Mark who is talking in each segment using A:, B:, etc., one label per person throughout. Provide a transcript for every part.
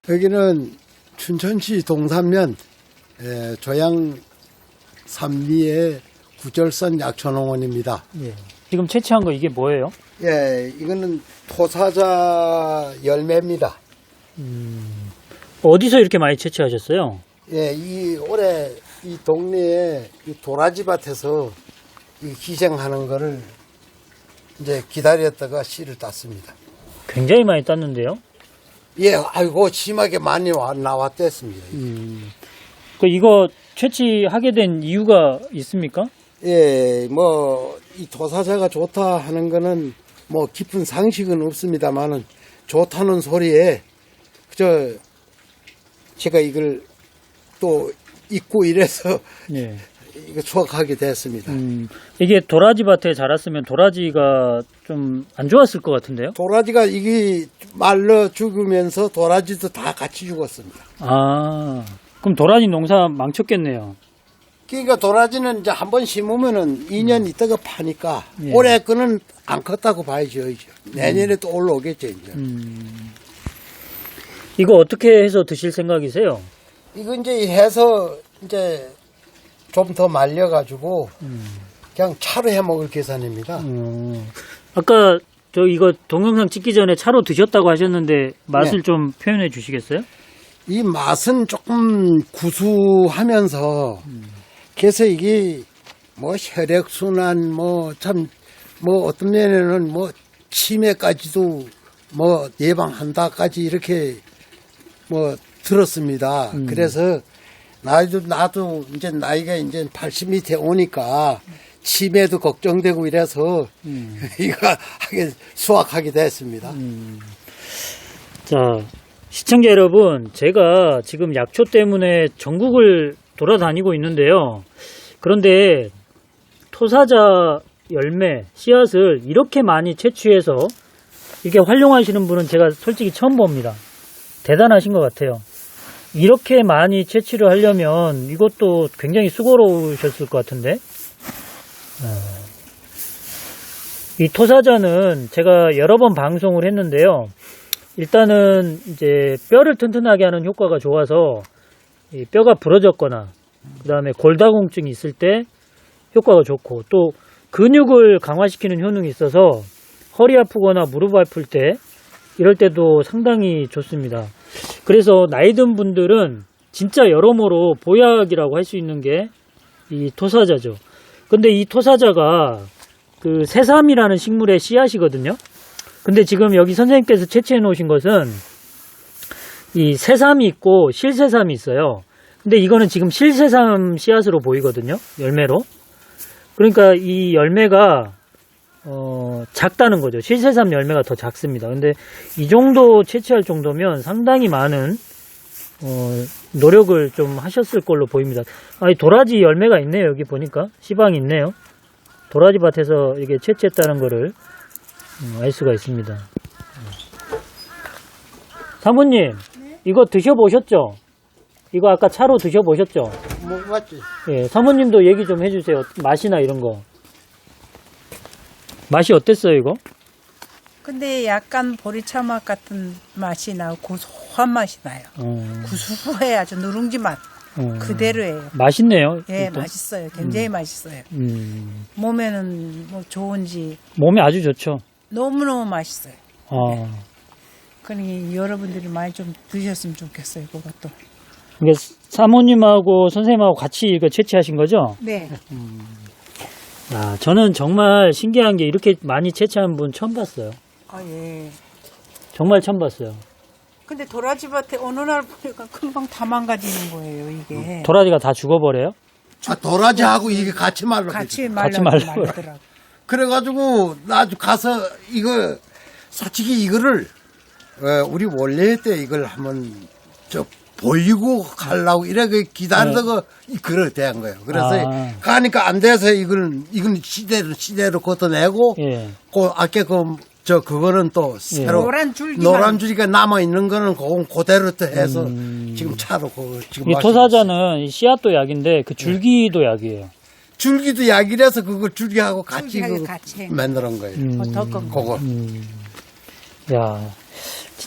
A: 여기는 춘천시 동산면 조양 산리의 구절산 약초농원입니다.
B: 예. 지금 채취한 거 이게 뭐예요?
A: 예, 이거는 토사자 열매입니다.
B: 어디서 이렇게 많이 채취하셨어요?
A: 예, 올해 이 동네에 이 도라지밭에서 이 기생하는 거를 이제 기다렸다가 씨를 땄습니다.
B: 굉장히 많이 땄는데요.
A: 예, 아이고 심하게 많이 나왔댔습니다.
B: 이거 채취하게 된 이유가 있습니까?
A: 예, 뭐 이 토사자가 좋다 하는 거는 뭐 깊은 상식은 없습니다만은 좋다는 소리에 제가 이걸 또 잊고 이래서
B: 예.
A: 이거 수확하게 됐습니다.
B: 이게 도라지 밭에 자랐으면 도라지가 좀 안 좋았을 것 같은데요?
A: 도라지가 이게 말라 죽으면서 도라지도 다 같이 죽었습니다.
B: 아, 그럼 도라지 농사 망쳤겠네요.
A: 그러니까 도라지는 이제 한번 심으면은 2년 있다가 파니까
B: 예.
A: 올해 거는 안 컸다고 봐야죠. 내년에 또 올라오겠죠, 이제.
B: 이거 어떻게 해서 드실 생각이세요?
A: 이거 이제 해서 이제 좀 더 말려가지고 그냥 차로 해 먹을 계산입니다.
B: 아까 이거 동영상 찍기 전에 차로 드셨다고 하셨는데 맛을
A: 네.
B: 좀 표현해 주시겠어요?
A: 이 맛은 조금 구수하면서 그래서 이게 뭐 혈액순환 뭐 어떤 면에는 뭐 치매까지도 뭐 예방한다까지 이렇게 뭐 들었습니다. 그래서 나도 이제 나이가 이제 80 밑에 오니까 치매도 걱정되고 이래서 이거 수확하게 됐습니다.
B: 자, 시청자 여러분, 제가 지금 약초 때문에 전국을 돌아다니고 있는데요. 그런데 토사자 열매, 씨앗을 이렇게 많이 채취해서 이렇게 활용하시는 분은 제가 솔직히 처음 봅니다. 대단하신 것 같아요. 이렇게 많이 채취를 하려면 이것도 굉장히 수고로우셨을 것 같은데. 이 토사자는 제가 여러 번 방송을 했는데요. 일단은 이제 뼈를 튼튼하게 하는 효과가 좋아서 이 뼈가 부러졌거나 그 다음에 골다공증이 있을 때 효과가 좋고 또 근육을 강화시키는 효능이 있어서 허리 아프거나 무릎 아플 때 이럴 때도 상당히 좋습니다. 그래서 나이 든 분들은 진짜 여러모로 보약이라고 할 수 있는 게 이 토사자죠. 근데 이 토사자가 그 새삼이라는 식물의 씨앗이거든요. 근데 지금 여기 선생님께서 채취해 놓으신 것은 이 새삼이 있고 실새삼이 있어요. 근데 이거는 지금 실새삼 씨앗으로 보이거든요. 열매로. 그러니까 이 열매가 작다는 거죠. 실새삼 열매가 더 작습니다. 근데 이 정도 채취할 정도면 상당히 많은 노력을 좀 하셨을 걸로 보입니다. 이 도라지 열매가 있네요. 여기 보니까 씨방이 있네요. 도라지 밭에서 이게 채취했다는 거를 알 수가 있습니다. 사모님, 네? 이거 드셔보셨죠? 이거 아까 차로 드셔보셨죠?
A: 뭐 맞지?
B: 예, 사모님도 얘기 좀 해주세요. 맛이나 이런 거. 맛이 어땠어요, 이거?
C: 근데 약간 보리차 맛 같은 맛이 나고 고소한 맛이 나요. 구수해 아주 누룽지 맛 그대로예요.
B: 맛있네요.
C: 예,
B: 일단.
C: 맛있어요. 굉장히 맛있어요. 몸에는 뭐 좋은지
B: 몸에 아주 좋죠.
C: 너무너무 맛있어요.
B: 아.
C: 그러니 여러분들이 많이 좀 드셨으면 좋겠어요. 그것도.
B: 이게 사모님하고 선생님하고 같이 이거 채취하신 거죠?
C: 네.
B: 저는 정말 신기한 게 이렇게 많이 채취한 분 처음 봤어요.
C: 아, 예.
B: 정말 처음 봤어요.
C: 근데 도라지 밭에 어느 날 보니까 금방 다 망가지는 거예요, 이게.
B: 도라지가 다 죽어버려요?
A: 도라지하고 이게 같이 말라.
C: 같이
B: 말라버려요.
C: 말라더라고.
A: 그래가지고 나도 가서 이거 솔직히 이거를 우리 원래 때 이걸 한번 보이고 가려고 이렇게 기다리다가 그래 대한 거예요. 그래서 가니까 안 돼서 이건 시대로 걷어내고
B: 예.
A: 아까 그거는 또 새로
C: 노란
A: 줄기가 남아 있는 거는 그대로 또 해서 지금 차로 지금
B: 이 토사자는 이 씨앗도 약인데 그 줄기도 약이에요.
A: 줄기도 약이라서 그거 줄기하고 같이
C: 줄기하고 같이
A: 만드는 거예요.
C: 더 건
A: 그거.
B: 야, 진짜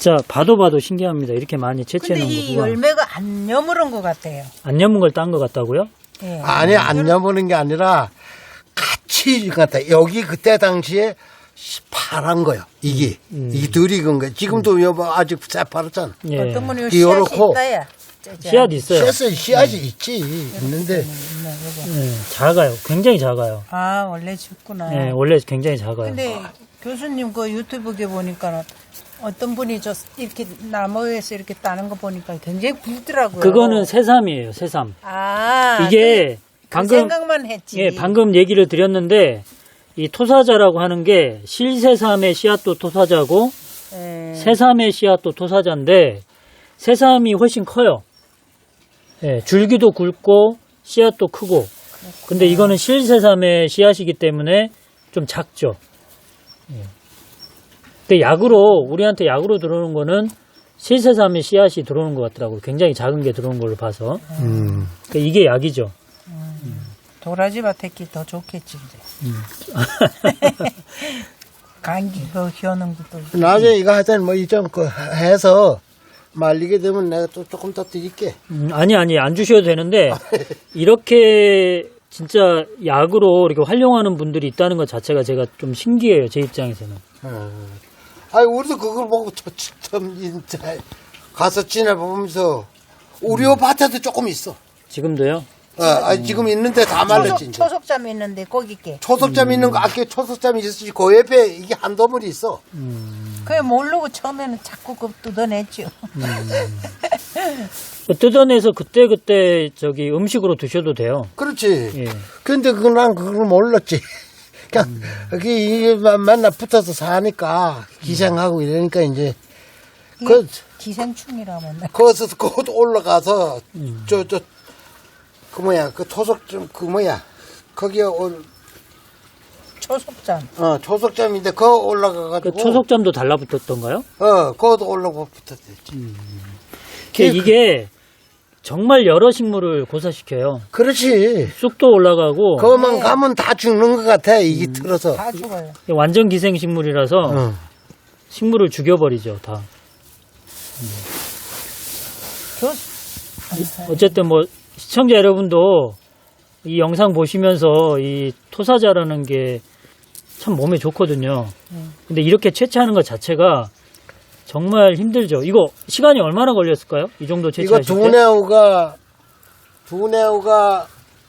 B: 진짜 봐도 신기합니다. 이렇게 많이 채취해
C: 근데
B: 놓은
C: 이
B: 거구나.
C: 열매가 안 여물은 것 같아요.
B: 안 여문 걸 딴 것 같다고요?
C: 예.
A: 아니 안 여보는 게 아니라 같이 같아. 여기 그때 당시에 파란 거요. 이게 덜 익은 거. 지금도 여보 아직 새파랗잖아.
B: 예.
C: 어떤 분이
A: 이렇게
C: 씨앗이
A: 요렇고.
C: 있다야.
B: 씨앗 있어요.
A: 씨앗이 있지. 있는데
B: 예, 작아요. 굉장히 작아요.
C: 아 원래 죽구나.
B: 예, 원래 굉장히 작아요.
C: 근데 교수님 그 유튜브에 보니까 어떤 분이 저 이렇게 나무에서 이렇게 따는 거 보니까 굉장히 굵더라고요.
B: 그거는 새삼이에요. 새삼.
C: 아
B: 이게
C: 그
B: 방금
C: 생각만 했지.
B: 예, 방금 얘기를 드렸는데 이 토사자라고 하는 게 실새삼의 씨앗도 토사자고
C: 예.
B: 새삼의 씨앗도 토사자인데 새삼이 훨씬 커요. 예, 줄기도 굵고 씨앗도 크고. 근데 이거는 실새삼의 씨앗이기 때문에 좀 작죠. 예. 근데 약으로 우리한테 약으로 들어오는 거는 실새삼의 씨앗이 들어오는 것 같더라고요. 굉장히 작은 게 들어오는 걸로 봐서. 그러니까 이게 약이죠.
C: 도라지 밭에기 더 좋겠지 이제. 감기 그 겨는 것도.
A: 나중에 이거 하여튼 뭐 이좀 그 해서 말리게 되면 내가 또 조금 더 드릴게.
B: 아니 안 주셔도 되는데 이렇게 진짜 약으로 이렇게 활용하는 분들이 있다는 것 자체가 제가 좀 신기해요. 제 입장에서는.
A: 아니 우리도 그걸 보고 참 진짜 가서 지내보면서 우리 밭에도 조금 있어.
B: 지금도요?
A: 아니 지금 있는데 다 말랐지. 이제.
C: 초석잠 있는데 거기 게.
A: 초석잠 있는 거 아까 초석잠이 있었지. 그 옆에 이게 한 더물이 있어.
C: 그게 모르고 처음에는 자꾸 그 뜯어냈죠.
B: 뜯어내서 그때 저기 음식으로 드셔도 돼요.
A: 그렇지.
B: 예.
A: 근데 난 그걸 몰랐지. 그냥 이게 맨날 붙어서 사니까 기생하고 이러니까 이제 그
C: 기생충이라면.
A: 거기서 곧 올라가서 그 뭐야 그 토속점 그 뭐야 거기에
C: 초석잠.
A: 초석점인데 거 올라가가지고
B: 그 초석잠도 달라붙었던가요?
A: 거기도 올라가 붙었지.
B: 이게 정말 여러 식물을 고사시켜요.
A: 그렇지.
B: 쑥도 올라가고
A: 거만 가면 다 죽는 것 같아 이게 틀어서.
C: 다 죽어요.
B: 완전 기생식물이라서 식물을 죽여버리죠 다. 어쨌든 뭐 시청자 여러분도 이 영상 보시면서 이 토사자라는 게 참 몸에 좋거든요. 근데 이렇게 채취하는 것 자체가 정말 힘들죠. 이거 시간이 얼마나 걸렸을까요? 이 정도
A: 이거
B: 채취하실 때?
A: 두 네오가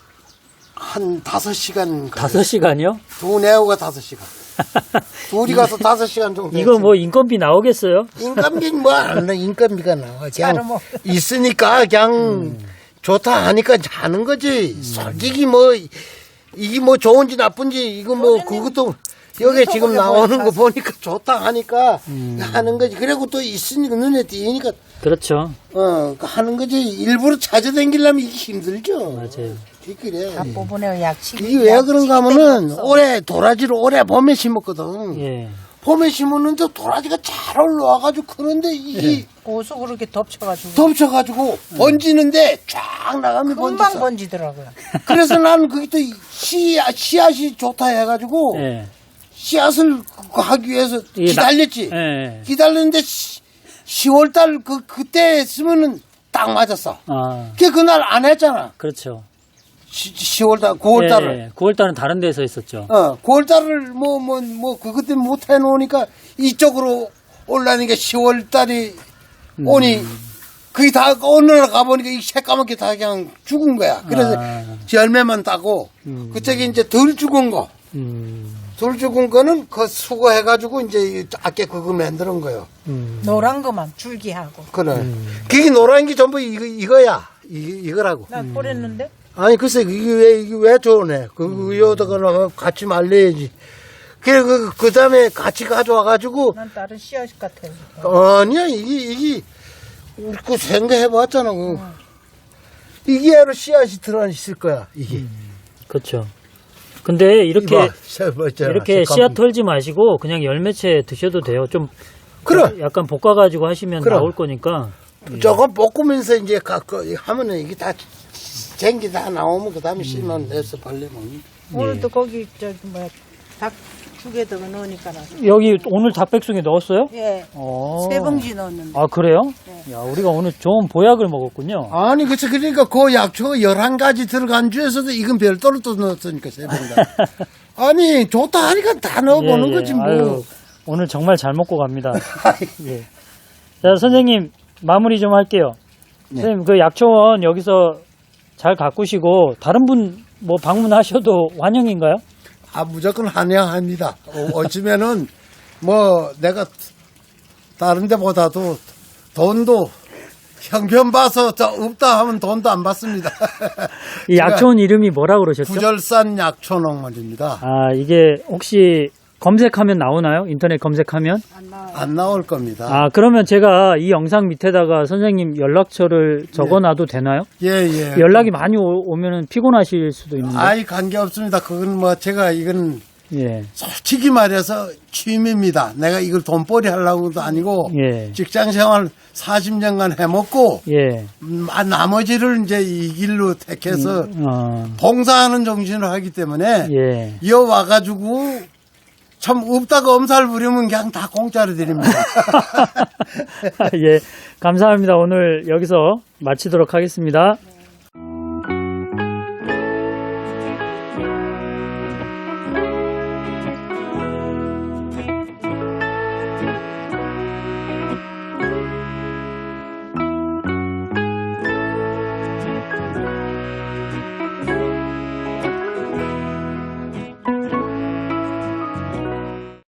A: 한 5시간.
B: 5시간이요?
A: 두 네오가 5시간. 둘이 가서 5시간 정도.
B: 이거 뭐 인건비 나오겠어요?
A: 인건비 뭐 안 나 인건비가 나와.
C: 자르
A: 그냥
C: 먹-
A: 있으니까 그냥 좋다 하니까 하는 거지. 솔직히 뭐 이게 뭐 좋은지 나쁜지 이거 뭐 그것도 여기 지금 나오는 거 보니까 좋다 하니까 하는 거지. 그리고 또 있으니까 눈에 띄니까
B: 그렇죠.
A: 하는 거지. 일부러 찾아다니려면 이게 힘들죠.
B: 맞아요.
A: 그래.
C: 다 뽑으네요 약식.
A: 이게 왜 그런가 하면은 올해 도라지를 올해 봄에 심었거든.
B: 예.
A: 봄에 심었는데 도라지가 잘 올라와가지고 크는데 이게
C: 고수 그렇게 덮쳐가지고.
A: 덮쳐가지고 번지는데 쫙 나가면
C: 금방
A: 번졌어.
C: 번지더라고요.
A: 그래서 나는 그게 또 씨앗이 좋다 해가지고
B: 예.
A: 씨앗을 하기 위해서
B: 이게
A: 기다렸지.
B: 예.
A: 기다렸는데 10월달 그때 했으면은 딱 맞았어. 그날 안 했잖아.
B: 그렇죠.
A: 10월달, 9월달을.
B: 예. 9월달은 다른 데서 있었죠.
A: 9월달을 그것 때문에 못 해놓으니까 이쪽으로 올라니까 10월달이 오니 그게 다 어느 날 가보니까 이 새까맣게 다 그냥 죽은 거야. 그래서 열매만 따고 그쪽에 이제 덜 죽은 거. 덜 죽은 거는 그 수거해가지고 이제 아까 그거 만드는 거요.
C: 노란 거만 줄기하고.
A: 그래. 그게 노란 게 전부 이거야. 이거라고.
C: 난 뿌렸는데.
A: 아니 글쎄 이게 왜 좋네. 여기다가 같이 말려야지. 그 다음에 같이 가져와가지고
C: 난 다른 씨앗 같아요.
A: 아니야 이게 그 생각해봤잖아. 이게 바로 씨앗이 들어있을 거야 이게.
B: 그렇죠. 근데 이렇게
A: 이렇게
B: 씨앗 털지 마시고 그냥 열매채 드셔도 돼요. 좀
A: 그래.
B: 약간 볶아가지고 하시면
A: 그래.
B: 나올 거니까.
A: 조금 볶으면서 이제 하면은 이게 다 쟁기 다 나오면 그 다음에 씨만 내서 발리면.
C: 오늘도 거기 닭 두 개 더 넣으니까 나서.
B: 여기 오늘 닭백숙에 넣었어요?
C: 예.
B: 어.
C: 3봉지 넣었는데.
B: 아, 그래요?
C: 네.
B: 야, 우리가 오늘 좋은 보약을 먹었군요.
A: 아니, 그치. 그러니까 그 약초가 11가지 들어간 중에서도 이건 별도로 또 넣었으니까, 세 봉다. 아니, 좋다 하니까 다 넣어보는
B: 예, 예.
A: 거지, 뭐.
B: 아유, 오늘 정말 잘 먹고 갑니다. 예. 자, 선생님, 마무리 좀 할게요.
A: 네.
B: 선생님, 그 약초원 여기서 잘 가꾸시고, 다른 분 뭐 방문하셔도 환영인가요?
A: 아, 무조건 환영합니다. 어쩌면은, 뭐, 내가 다른 데보다도 돈도 형편 봐서 저 없다 하면 돈도 안 받습니다.
B: 이 약초원 이름이 뭐라 그러셨죠?
A: 구절산 약초농원입니다.
B: 아, 이게 혹시 검색하면 나오나요? 인터넷 검색하면?
C: 안 나와요.
A: 안 나올 겁니다.
B: 아, 그러면 제가 이 영상 밑에다가 선생님 연락처를 적어놔도 되나요?
A: 예, 예.
B: 연락이 많이 오면은 피곤하실 수도 있는데.
A: 아이, 관계없습니다. 그건 뭐, 제가 이건
B: 예.
A: 솔직히 말해서 취미입니다. 내가 이걸 돈벌이 하려고도 아니고,
B: 예.
A: 직장 생활 40년간 해먹고,
B: 예.
A: 나머지를 이제 이 길로 택해서
B: 어,
A: 봉사하는 정신으로 하기 때문에,
B: 예.
A: 이어와가지고, 참 없다가 엄살 부리면 그냥 다 공짜로 드립니다.
B: 예. 감사합니다. 오늘 여기서 마치도록 하겠습니다.